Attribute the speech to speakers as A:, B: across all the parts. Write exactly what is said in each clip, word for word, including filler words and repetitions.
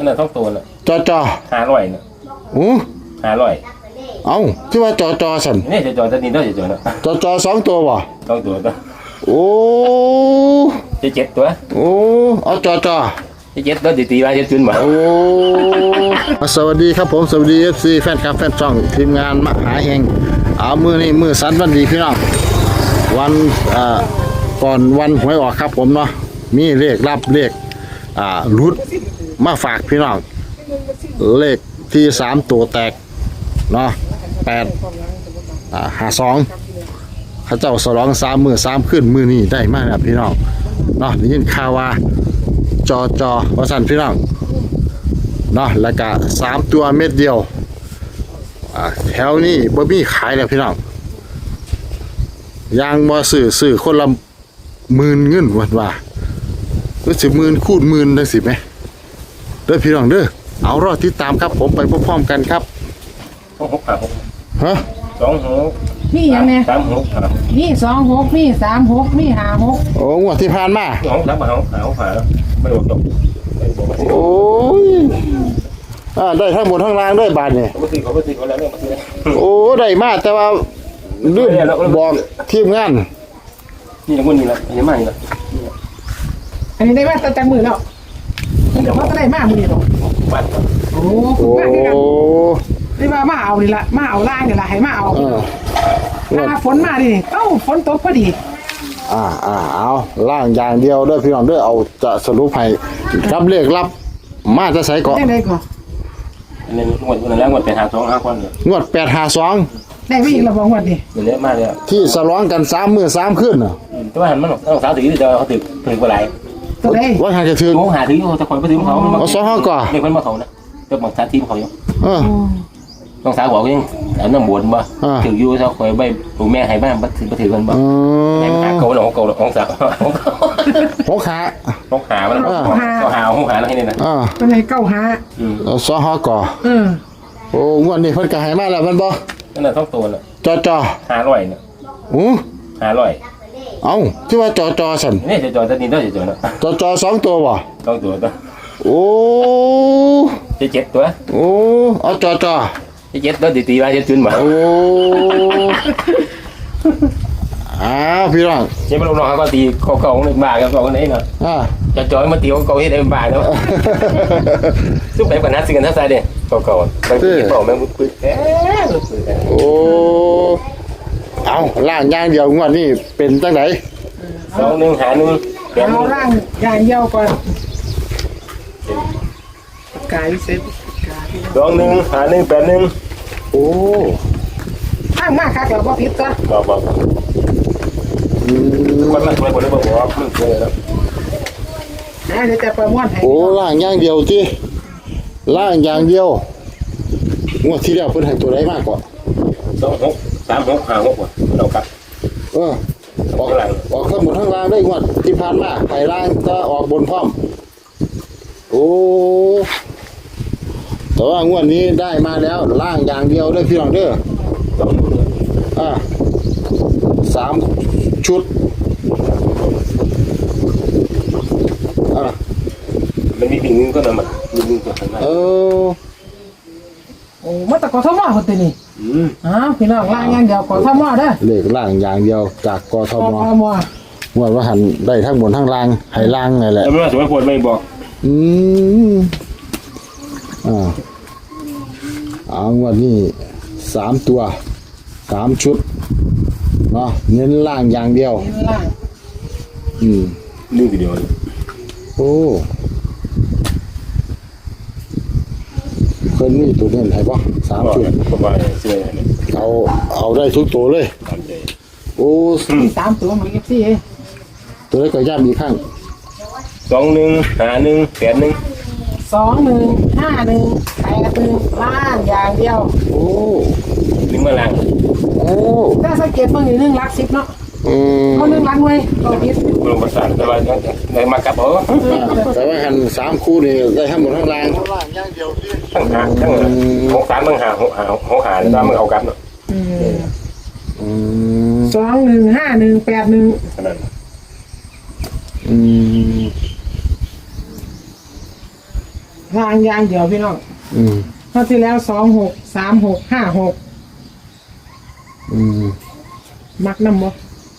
A: นั่นแหละท้องตัวน่ะ
B: จอจอ
A: ห้าร้อยน่ะ
B: โอ้
A: ห้าร้อย
B: เอ้าที่ว่าจอจอสั่น
A: นี่จะจอจะนี่ต้องจะจอเนาะ
B: จอจอสองตัวบ่
A: สองตัวก็
B: โอ้
A: จะเจ็ดตัว
B: โอ้เอาจอจอ
A: จะเจ็ดตัวตีตีมาจะจุนบ่
B: โอ้สวัสดีครับผมสวัสดี เอฟ ซี แฟนคลับแฟนช่องทีมงานมหาเฮงเอามือนี่มือสันวันดีพี่น้องวันอ่าก่อนวันหวยออกครับผมเนาะมีเลขรับเลขอ่ารุดมาฝากพี่น้องเลขที่สามตัวแตกเนาะแปดอ่าห้าสองข้าเจ้าสลองสามมือสามขึ้นมือนี่ได้มากนะพี่น้องเนาะได้ยินข่าวว่าจอจอว่าสั่นพี่น้องเนาะแล้วก็สามตัวเม็ดเดียวอ่าแถวนี้บ่มีขายแล้วพี่น้องยางบ่ซื้อซื้อคนละหมื่นเงินวันว่ารู้สึกหมื่นคูณหมื่นได้สิไหมเด้อพี่น้องเด้อเอารอติดตามครับผมไปพร้อมๆกันครับ
A: สองหกครับ
B: ฮะ
A: สองหก
C: นี่ยังไง
A: สามหกครับ
C: นี่สองหกนี่สามหกนี่ห้าหก
B: โอ้งวดที่ผ่านมา
A: สองสามหาหาหาไม่โดนตก
B: โอ้ยอ่าได้ทั้งหมดทั้งรางด้วยบาทเนี่ย
A: เขาไม่ซื้อเขาไม่ซื้อเขาแล้วเนี่ยมาซื้อ
B: โอ้ได้มากแต่ว่าลืมบอกทีมงาน
A: นี่ละคนนี่ละอันนี้มานี่ละ
C: อันนี้ได้มาตั้งแต่มือแล้วนี่เดี๋ยวเขาจะได้มามือนี่หรอโอ้
B: โอ้
C: ได้มามาเอานี่ละมาเอาล่างนี่ละให้มาเอาถ้าฝนมาดิเอ้าฝนตกพอดี
B: อ่าอ่าเอาล่างอย่างเดียวด้วยพี่น้องด้วยเอาจะสรุปให้รับเลขรับมาจะใส่ก่อน
C: ได้เลยก่อน
A: อันนี้งวดวันแรกงวดเป็นหาสองห้าคนเลย
B: งวดแปดหาสอง
C: ได้ไม่อีกระบองวันดิ
A: เดี๋ยวเยอะมากเลย
B: ที่สล้องกันสามมือสามขึ้นอ่ะ
A: แต่ว่าหันมันต้องสาวถือจะเขาถือถือกว่าไร
C: ตัวไหน
B: ว่าหาจะถือ
A: เขาหาถือเขาจะคอยไปถือเขา
B: เอาสองห้าก่อน
A: ไม่คนมาเขานะจะบอกสาทีมเขาอยู่
B: เออ
A: ต้องสาวบอกยังอันนั้นบวชบ่ถืออยู่เขาคอยใบปู่แม่ให้บ้านบัดถือบัดถือกันบ่แม่หาเกาหลงเกาหลงของสาว
B: ของขา
A: ของขามันของหาของหาแล้วให้นี่นะ
C: ตัวไหนเก้าหา
B: สองห้าก่อนโอ้งวดนี้เพิ่นก็ให้มาแล้วมันบ่
A: นั่นแหละท้องตัวน่ะ
B: จอจอ
A: ห้าร้อยน่ะ
B: โอ้
A: ห้าร้อย
B: เอ้าที่ว่าจอจอสั่น
A: นี่จะจอจะนี่ต้องจะจอเนาะ
B: จอจอสองตัวบ่
A: สองตัวตัว
B: โอ้
A: จะเจ็ดตัว
B: โอ้เอาจอจอ
A: จะเจ็ดตัวตีตีมาจะจุนบ่
B: โอ้อ้าวพี่น้อง
A: เจ้าลูกน้องเขาก็ตีเขาเขาของหนึ่งบาทกับเขาคนนี้เนาะ
B: อ่า
A: จะจอยมาตีเขาเขาให้ได้บาทเนาะซุปแบบกันนัดสิ่งกันทักษะเด้เขาเขาบางทีเขาแม่งปึ๊ดแอ๊ะ
B: โอ้เอาล่างย่างเดียวงวดนี่เป็นจังไหน
A: สองหนึ่งหาหนึ่ง
C: เอาล่างย่างเดียวก่อนกายเซ็ต
A: สองหนึ่งหาหนึ่งแปดหนึ่ง
B: โอ้
C: ข้างมากครับเราบอกผิดตัว
A: บอกบอกคนละคนละบอกว่ามันเคยแล้ว
C: เดี๋ยวจะประมวลให้
B: โอ้ล่างย่างเดียวจีล่างอย่างเดียวงวดที่เดียวเพิ่นให้ตัวใดมากกว่า
A: สองหกสามหกห้าหกว่ะเราครับ
B: เออออกออกทั้งหมดทั้งล่างได้งวดที่ผ่านมาให้ล่างก็ออกบนพร้อมโอ้แต่ว่างวดนี้ได้มาแล้วล่างอย่างเดียวด้วยพี่น้องเด้ออ่าสามชุดอ่า
A: มันมีวิ่งก็นำมาวิ่งตัวข้างหน้า
B: เออ
C: โอ้มาตะกอทมอคนตีนี่อืมอ้าวพี่น้องล่างอย่างเดียวกอทมอเด้อ
B: เลขล่างอย่างเดียวจากกทมงวดว่าหันได้ทั้งบนทั้งล่างให้ล่างไงแหละ
A: แต่ไม่ว่าสมัยพลไม่บอก
B: อืมอ่าเอางวดนี้สามตัวสามชุดเนาะเน้นล่างอย่างเดียว
C: เน้นล่าง
B: อืม
A: นี่ทีเดียว
B: โอ้เคยมีตัวเน้นให้ปะสามชุดเอาเอาได้ทุกตัวเลยโอ้
C: สามตัวมันเอฟซี
B: ตัวเล็กก็ย่ำอีกข้าง
A: สองหนึ่งห้าหนึ่งแปดหนึ่ง
C: สองหนึ่งห้าหนึ่งแปดหนึ่งล่างอย่างเดียว
B: โอ้
A: นี่เมื่อล่าง
B: โอ้
C: ถ้าสังเกตเมื่อกี้หนึ่งลักสิบเนาะ
B: อืม
C: เขาหนึ่งลักไว้เราพิษ
A: ลงภาษาแต่ว่าในมากับเขา
B: แต่ว่าหันสามคู่นี่ได้ทั้งหมดทั้งล่าง
A: ทั้งหาทั้งหกสามทั้งหาหกหาหกหาแล้วมึงเอากับเนาะ
C: สองหนึ่งห้าหนึ่งแปดหนึ่ง
B: อืม
C: รางยางเดียวพี่น้อง
B: อืม
C: คราวที่แล้วสองหกสามหกห้าหก
B: อืม
C: มักน้ำบ่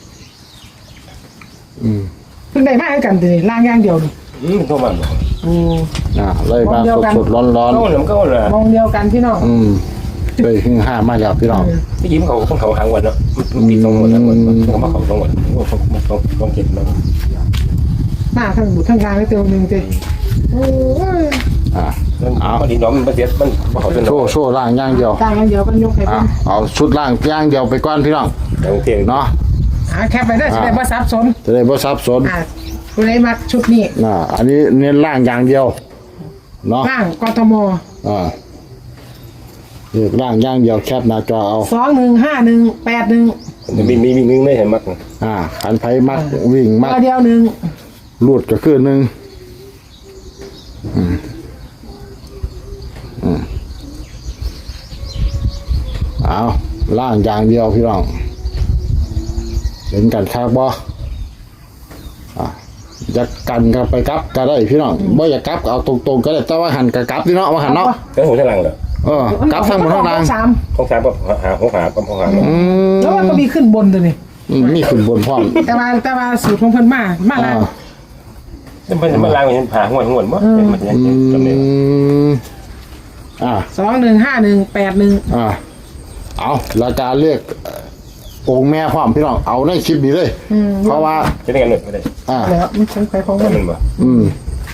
B: อืม
C: เพิ่งได้มาให้กันทีรางยางเดียวนี่
A: อืมโทรมาบอก
C: โอ้
B: อ่าเลยมาสดๆร้อน
A: ก็มันก็เลย
C: มองเดียวกันพี่น้อง
B: ๆอืมเลยหึ่งห้ามาแล้วพี่น้อง
A: ที่ยิ้มเขาต้องเขาหางวันเนาะมันปีตรงหมดทั้งหมดเขามาเขาตรงหมดเขาเขาต้องเก็บมา
C: มาทั้งบุตรทั้งรางได้เต็มหนึ่งเต็มโอ้ย
B: อ่า
A: มันดีน้องมันประเสียมันเขาเป็น
B: โชว์โชว์ล่างอย่างเดียว
C: รางยางเดียวกันยกให้
B: อ่า
C: เพิ่น
B: เอาชุดล่างอย่างเดียวไปก่อนพี่น้อง
A: อย่างเทียง
B: เนาะ
C: หาแคปไปได้จะได้บ่ซับซ้อน
B: จะได้บ่สับสน
C: อ่าผู้ใดมักชุดนี้
B: น่ะอันนี้เน้นล่างอย่างเดียวเนาะ
C: ล่างกทม
B: อ่าเลือกล่างอย่างเดียวแคปหน้าจอเอา
C: สองหนึ่งห้าหนึ่งแปดหนึ่ง
A: มีมีมีนึงได้เห็นมั้ง
B: อ่าขันไผมักวิ่งมัก
C: ตัวเดียวหนึ่ง
B: ลูดก็คือหนึ่งอืมอืมเอาล่างอย่างเดียวพี่น้องเห็นกันคักบ่อ่ะจะกันกันไปกลับก็ได้พี่น้องบ่อยากกลับก็เอาตรงๆก็ได้แต่ว่าหันก็กลับพี่น้องว่าหันเนาะ
A: ก็หัวฉลังเลย
B: เออกลับทางบนทางล่าง
C: สาม
A: ของสามก็หาของหาก็ของหา
B: อืม
C: แล้วมันก็มีขึ้นบนตัวนี้
B: อืมมีขึ้นบนพร้อม
C: แต่ว่าแต่ว่าสูตรของเพิ่นมามา
B: อ่า
C: แล้ว
A: มันมันล่างเห็นผาหัวหัวมั้งมันยัง
B: อื
A: จำเลย
B: มอ่า
C: สองหนึ่งห้าหนึ่งแปดหนึ่ง
B: อ่าเอาราคาเรียกองค์แม่พร้อมพี่น้องเอาในคลิปนี้เลย
C: อืม
B: เพราะว่า
A: จะได้กันหนึ่งไม่ได้
B: อ่า
C: แล้วมันใช้ไฟของมัน
A: มันบ่
B: อืม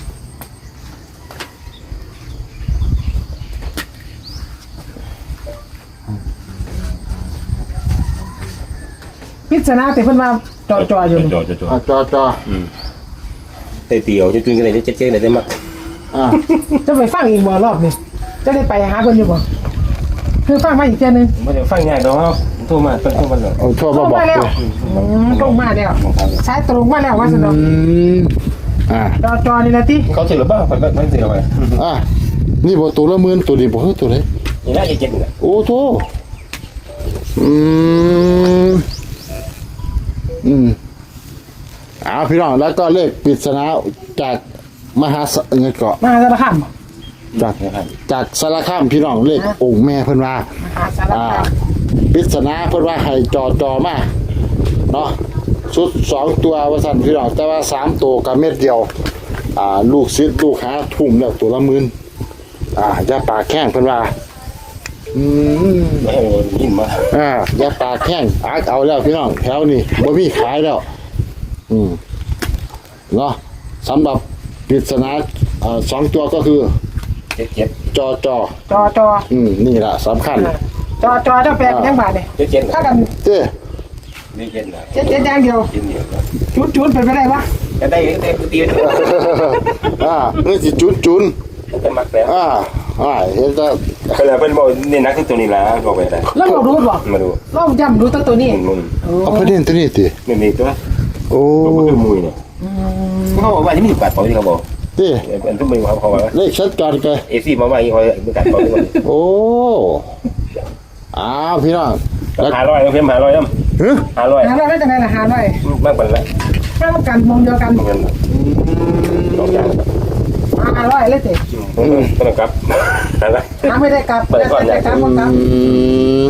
C: พิจารณาแต่เพิ่นว่าจอจออยู่นี่
A: จอจอจอ
B: อ่าจอจอ
A: เตะเตียวจะกินกันเลยจะเจ๊เลยได้มั้ง
B: อ่า
C: จะไปฟังอีกบ่รอบนี้จะได้ไปหาเพิ่นอยู่บ่คือฟังมาอีกเทื่อนึง
A: มันจะฟังง่ายดอกโทรมาต้องโทรมาเลย
B: เอาทั่ว
C: ตร
B: มาง บอก
C: มาแล้ว
B: เลย
C: อืมตรงมาแล้วสายตรงมาแล้วว่าซั่นเนาะ
B: อืมอ่า
C: จอจอนี่ล่ะติ
A: เขาเชื่อหรือเปล่าไม่ไม่เชื่อไป
B: อ่านี่บ่ตัวละหมื่นตัวนี้บ่เฮ้ยตัวไหน
A: นี่น่าจะเจ็บเลย
B: โอ้โธ่อืมอืมเอาพี่น้องแล้วก็เลขปริศนาจากมหาสเงินเกาะ
C: มาสารคามบ่
B: จากจากสารคามพี่น้องเลของค์แม่เพิ่นว่า
C: มาหาสาร
B: อ่า
C: คาม
B: ปริศนาเพิ่นว่าให้จอจอมาเนาะชุดสองตัวว่าสั่นพี่น้องแต่ว่าสามตัวกับเม็ดเดียว อ่า ลูกศิษย์ลูกหาทุ่มแล้วตัวละหมื่นอ่าอย่าปากแข้งเพิ่นว่า อืม
A: ไม่ให้ยินมา
B: อ่าอย่าปากแข้งอักเอาแล้วพี่น้องแถวนี้บ่มีขายแล้ว อืมเนาะสำหรับปริศนาอ่าสองตัวก็คือ
A: เจ็บเจ็บ
B: จอจอ
C: จอจอ
B: อืมนี่ล่ะสำคัญ
C: จอจอเจ้าแปลกยังบาดนี่
A: เจ็บเจ็บ
C: ถ้ากัน
B: เจ้
A: นี่เจ็บนะ
C: เจ็ดเจ็ดอย่างเดียว
A: เจ็บเดียว
C: จุดจุดเป็นไปได้ปะ
A: จะได้ได้ตีน
B: อ่านี่สิจุนจุน
A: จะมักแล้ว
B: อ่าอ่าเห็นแต่
A: ก็เลยเป็นบอกนี่นักตัวนี้ละบอกไปได้
C: แล้วเรารู้บ่
A: มาดู
C: เราย่ำรู้ตัวตัวนี้
A: มึง
B: เอาประเด็นตัวนี้ติ
A: ไม่มีตัว
B: โอ้
A: ก็คือมวยเนี่ยเขาบอกว่าที่มีปัดปล่อยที่เขาบอก
B: ติ
A: เป็นทุกมือเขาเขาว่า
B: เลขชัดกันไป
A: เอซี่มาว่าอย่างนี้เขาเป็นการปล่อยทุกคน
B: โอ้อ้าวพี่น้องแล้ว
A: หาร้อยเพิ่มหาร้อยน้
B: ฮะ
A: ำหาร้อย
C: หาเราได้จังไงล่ะหาได้
A: มากกว่าแล้ว
C: ถ้าเรากันมองเดียวกัน
A: เงินสองอย่าง
C: หาร้อยเลยเจ๊
A: ต้องกลับอะไร
C: หาไม่ได้กลับได้แต่กลับก็กลับ
B: อืม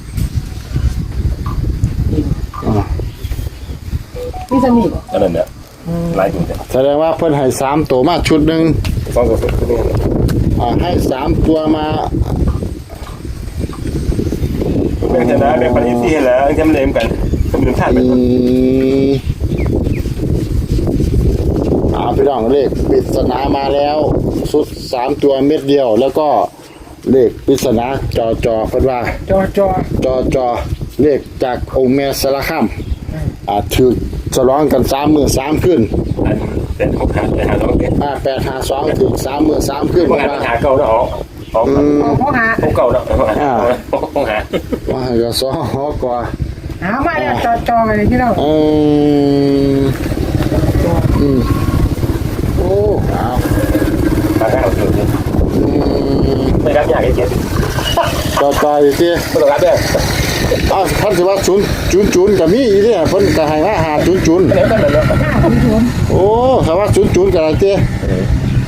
B: อ่า
C: นี่จะมี
A: อันนั้นเนี่ยหลายตัวเนี่ย
B: แสดงว่าเพิ่นให้สามตัวมาชุดหนึ่ง
A: สองตัวตัวนี้
B: อ่าให้สามตัวมา
A: เป็นชนะเป็นปฏิเสธแล้วจำเลยกันจำเลยท่านเป็
B: อื
A: น
B: มอ่าพี่น้องเลขปริศนามาแล้วชุดสามตัวเม็ดเดียว แล้วก็เลขปริศนาจอจอเพิ่นว่า
C: จอจอ
B: จอจอเลขจากองค์แม่สารคามอ่าถือฉลองกันสามมือสามขึ้น
A: อันเป็นหกหาเป็นหาสองเจ็ด
B: อ่าแปดหาสองถือสามมือสามขึ้น
A: พวกงาน
B: ว่า
A: หาเก่าแล้วออกออก
C: เขาหา
A: พวกเก่าแล้วพวกหาพวกหา
B: ว่าจะสองหอกว่า
C: หามาแล้วจอจอเลยพี่น้อง
B: อืมอืมโอ้เอา
A: หาเก่าจริงจริง
B: อืม
A: ไม่รับยากไอ้เจ็ด
B: ต่อไปสิ
A: ไม่ต้องรับด้วย
B: อ้าวท่านสิว่าศูนย์ศูนย์ศูนย์กับมีอีเนี่ยเพิ่นก็ให้มาหาศูนย์ศูนย์
A: ไม่ได้ไม่ได้
C: ห้าถึงศูนย์
B: โอ้ถ้าว่าศูนย์ศูนย์กับอะไรเต้อ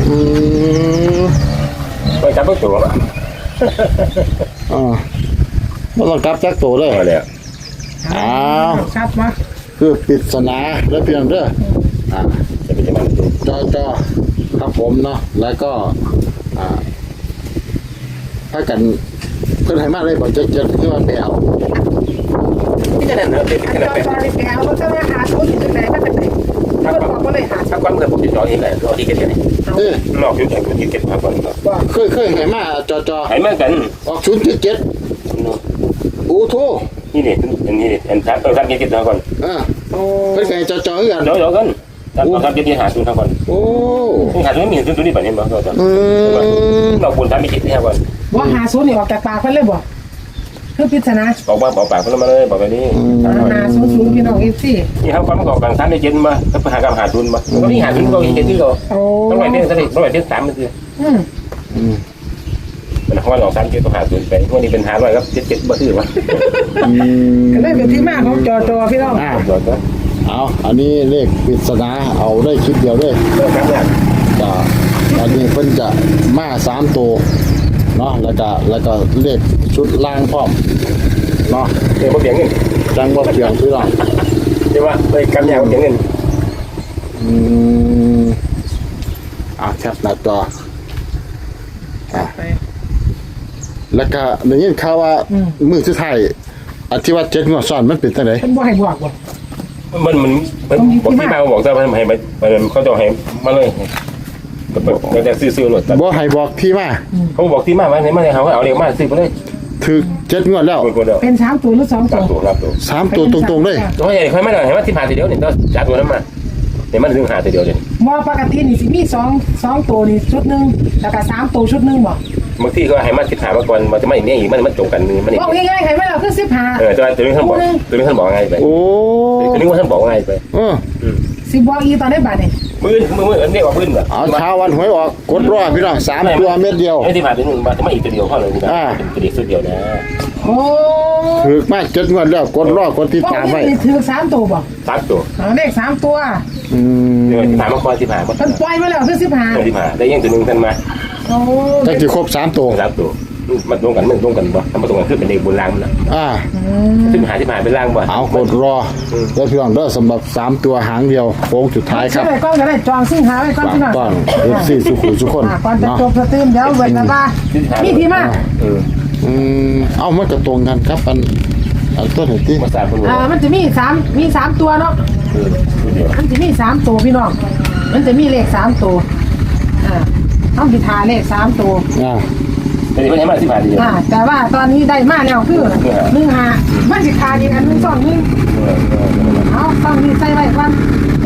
B: อืม
A: ไปจับตัว
B: อ่าไม่ต้องกลับจักตัวเลย
A: มาแล้ว
B: อ้าว
C: ชัดมา
B: คือปริศนาแล้วเพียงเด้ออ่า
A: จะเป็นยังไงตัว
B: จอจอครับผมเนาะแล้วก็อ่าถ้ากันเพิ่นให้มาเลยบอกจะจะคือว่าไปเอา
A: ที่จะนั่นเนอะเป็น
C: อัน
A: ข
C: จ
A: นาด
C: อ
A: เป็น
C: จอในแก้วก็จะมาหาชุดอยู่ไหนก็จะไหนเพื่อนบอกก็เลยหา
A: ถ้าความเกิดผมติดต่อเองแหละรอที่เกิดเนี่ย
B: เอ้ย
A: หลอกอยู่แต่คนที่เก็บมาก่อน
B: เคยเคยให้มาจอจอ
A: หายเมื่อกัน
B: ออกศูนย์เจ็ดเจ็ดอู้โท
A: นี่เนี่ยอันนี้เนี่ยอันทับทับเก็บมาก่อน
B: อ่าเพิ่นให้จอจอคือกัน
A: เดี๋ยวเดี๋ยวกันทับทับเก็บหาศูนย์ทับก่อน
B: โอ้
A: หาศูนย์มีศูนย์ตัวนี้แบบนี้บ้างก็จะ
B: อืม
A: เราควรทำไม่คิดแค่ก่อน
C: ว่าหาชุดนี่ออกจากปากเพื่อนเลยบอกคือพิจารณา
A: บอกว่าบอกปากเพิ่นมาเลยบอกแบบนี้
C: หาชุดชุดพี่น้องเอฟซี
A: นี่เขาความประกอบการทำได้เจนมาถ้าหาการหาทุนมาก็นี่หาทุนก็เจนที่เรา
C: โอ้
A: ต้องไปเดือนสนิทต้องไปเดือนสามมันคือ
C: อืม
B: อืม
A: มันเขาว่าลองสามเจ็ดก็หาทุนไปพวกนี้เป็นหาร้อยครับเจ็ดเจ็ดบ่ซื้อวะ
B: อืม
C: ก็เลยเป็นที่มาของจอจอพี่น้อง
B: อ่า
A: หยอดก็
B: เอาอันนี้เลขปริศนาเอาได้คลิปเดียวเลย
A: เริ่มครั้งแรก
B: ก็อันนี้เพิ่นจะมาสามตัวเนาะแล้วก็แล้วก็เลขชุดล่างพร้อมเนาะ
A: เดี๋ยวมาเปลี่ยนเงิน
B: จังว่าเพียงพี่น้อง
A: เดี๋ยวว่าไปกำยาวเปลี่ยนเงิน
B: อืมอ่ะแคปหน้าจออ่ะ
C: ไป
B: แล้วก็ได้ยินข่าวว่ามือสุดท้ายอธิวัตเจ็ดงวดซ้อนมันเป็นจังได๋
C: เป็นบ่ให้บอกบ่
A: มันมันมันบอกที่มาบอกแต่มันให้มันเขาจะให้มาเลยเราจะซื้อซื้อรถ
B: บ่ให้บอกที่มา
A: เขาบอกที่มาว่าไหนมาเลยเขาเอาเรียกมาซื้อไปเลย
B: ถึกเจ็ดงวดแล้ว
A: คนคนเดียว
C: เป็นสามตัวหรือสอง
A: สา
C: ตั
A: ม
C: ว
A: ตัวครับตัว
B: สามตัวตรงๆเลย
A: ตัวใหญ่ค่อยมาหน่อยให้มาที่ผ่านทีเดียวเนี่ยต้องจัดตัวนั้นมาเดี๋ยวมันถึงหาทีเดียวเลย
C: มอปกตินี่สิมีสองสองตัวนี่ชุดหนึ่งแล้วก็สามตัวชุดหนึ่งบ่
A: บางทีก็ให้มาที่ผ่านมาก่อนมันจะไม่เนี่ยอีกมันมันจงกันมันนี่
C: บอกง่ายๆใครไม่เราคือสิบห้า
A: เออตัวตัวนี้ท่านบอกตัวนี้ท่านบอกไงไป
B: โอ้
A: ตัวนี้ว่าท่านบอกไงไป
B: เออ
C: สิบอกอีตอนได้บาทนี่
A: มือมือมือเนี่ยว่ามือแบบ
B: เอาเช้าวันหวยออกกดรอพี่น้องสามตัวเม็ดเดียว
A: ไอ้ที่ผ่านตัวนึงมาจะไม่อีกตัวเดียวเข้าเลยนะเป็นตัวเดียวสุดเดียวนะ
C: โอ้
B: ถึกมากเจ็ดงวดแล้วกดรอกดติด
C: บอก
B: ตามไว้
C: นี่ถือสามตัวบ่
A: สามตัว
C: เอาเลขสามตัว
B: อืม
A: เนี่ยที่ผ่านมาก่อนที่ผ่านมา
C: มันปล่อยมาแล้วคือสิบห้า
A: ที่ผ่านได้ยังตัวนึงท่านมา
C: โอ้
B: จักสิครบสามตัว
A: สามตัวมันตรงกันมันตรงกันป่ะถ้ามันตรงกันคือเป็นเด็กบนล่างมันละ
B: อ่า
A: ที่ผ่านที่ผ่านเป็นล่างป่ะ
B: เอากดรอแล้วพี่น้องเด้อสำหรับสามตัวหางเดียวโค้งสุดท้ายค
C: ใช่
B: รับ
C: ไหมก้อนก็ได้จองซึ่งหาไว้ก้อน
B: ฝาก
C: พี่น้อง
B: ต้อนเอฟซีสุขุมสุขคน
C: อ่าก่อนจะ
B: เนาะ
C: จบสตรีมเดี๋ยวเวลาบ้ามีที่มา
A: เออ
B: อืมเอามันก็ตรงกันครับอันอันต้นเหตุที่
A: มาสามคน
C: อ่ามันจะมีสามมีสามตัวเนาะ
A: เออเดียว
C: มันจะมีสามตัวพี่น้อง มันจะมีเลขสามตัว อ่าต้องพิธาเลขสามตัว
B: อ่า
A: แต่ที่ไม่ใช่มาที่ผ่านเดียว
C: อ่า แต่ว่าตอนนี้ได้มาแล้วคือหนึ่งหามันสิขาดอีกอันหนึ่งสองหนึ่งเอาต้องมีใส่ไว้ก่อน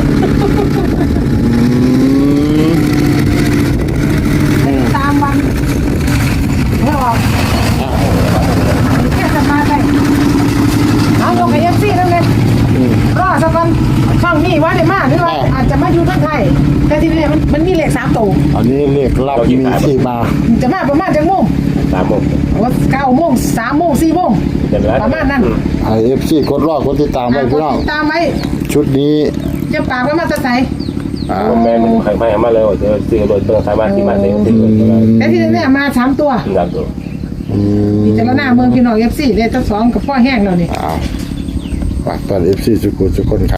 B: อืม
C: ตามวันไม่ออกแค่จะมาได้เอาลงกับเอฟซีนั่นเลย
B: อืม
C: รอสักวันช่องนี้ว่าได้มากหรือว่าอาจจะมาอยู่ทั้งไทย แต่ที่นี่มันมันมีเลขสามตัว
B: อันนี้เลขลับมีที่มา
C: จะมาประมาณจังโมง
A: สามโมง
C: ว่าเก้าโมงสามโมงสี่โมงประมาณนั้น
B: ไอเอฟซีกดรอกดติดตามไว้พี่น้อง
C: ติดตามไว้
B: ชุดนี้
C: จะปากว่ามาจะใส่
B: อ่า
A: แม่มันใครไม่มาเลยเจอซื้อรถต้องสามารถที่มาได้ซื้อรถได้
C: แต่ที่นี่มาสามตัว
A: สามตัว
B: อืม
C: พิจารณาเมืองพี่น้องเอฟซีเลขทั้งสองกับพ่อแห้งแล้วนี่
B: อ้าวฝากต้อนเอฟซีสุขุมสุขคนครับ